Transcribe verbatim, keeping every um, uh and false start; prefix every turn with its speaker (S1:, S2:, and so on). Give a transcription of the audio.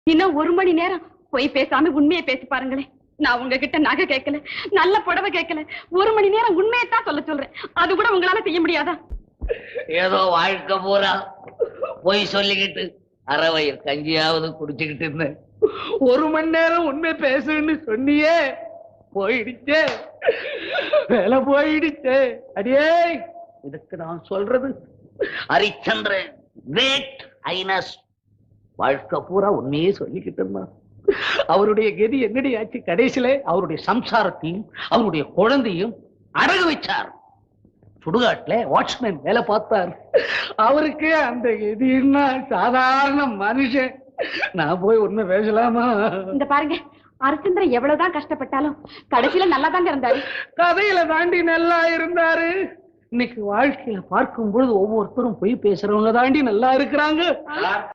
S1: இன்னும் ஒரு மணி நேரம் போய் பேசாம உண்மையை பேசி பாருங்களேன். நான் உங்ககிட்ட நகை கேட்கல, நல்ல புடவை கேட்கல, ஒரு மணி நேரம் உண்மையை தான் சொல்ல சொல்றேன். அது கூட உங்களால செய்ய முடியாதா?
S2: ஏதோ வாழ்க்கை பூரா போய் சொல்லிக்கிட்டு அறவயிர் கஞ்சியாவது குடிச்சுக்கிட்டு இருந்தேன். ஒரு மணி நேரம் உண்மை பேசுன்னு சொன்னியே, போயிடுச்சே, வேலை போயிடுச்சே. அடியே, இதுக்கு நான் சொல்றது ஹரிச்சந்திரன் கிரேட் ஹைனஸ் வாழ்க்கை பூரா உண்மையே சொல்லிக்கிட்டு இருந்தான். அவருடைய கதி என்னடி ஆச்சு? கடைசியில அவருடைய சம்சாரத்தையும் அவருடைய குழந்தையும் அடகு வச்சார். சுடுகாட்டுல வாட்ச்மேன் வேலை பார்த்தார். அவருக்கு அந்த கதின்னா சாதாரண மனுஷன். நான் போய் உண்மை பேசலாமா?
S1: இந்த பாருங்க, ஹரிச்சந்திரன் எவ்வளவுதான் கஷ்டப்பட்டாலும் கடைசியில நல்லா தாங்க இருந்தாரு.
S2: கதையில தாண்டி நல்லா இருந்தாரு. இன்னைக்கு வாழ்க்கையில பார்க்கும் பொழுது ஒவ்வொருத்தரும் போய் பேசுறவங்க தாண்டி நல்லா இருக்கிறாங்க.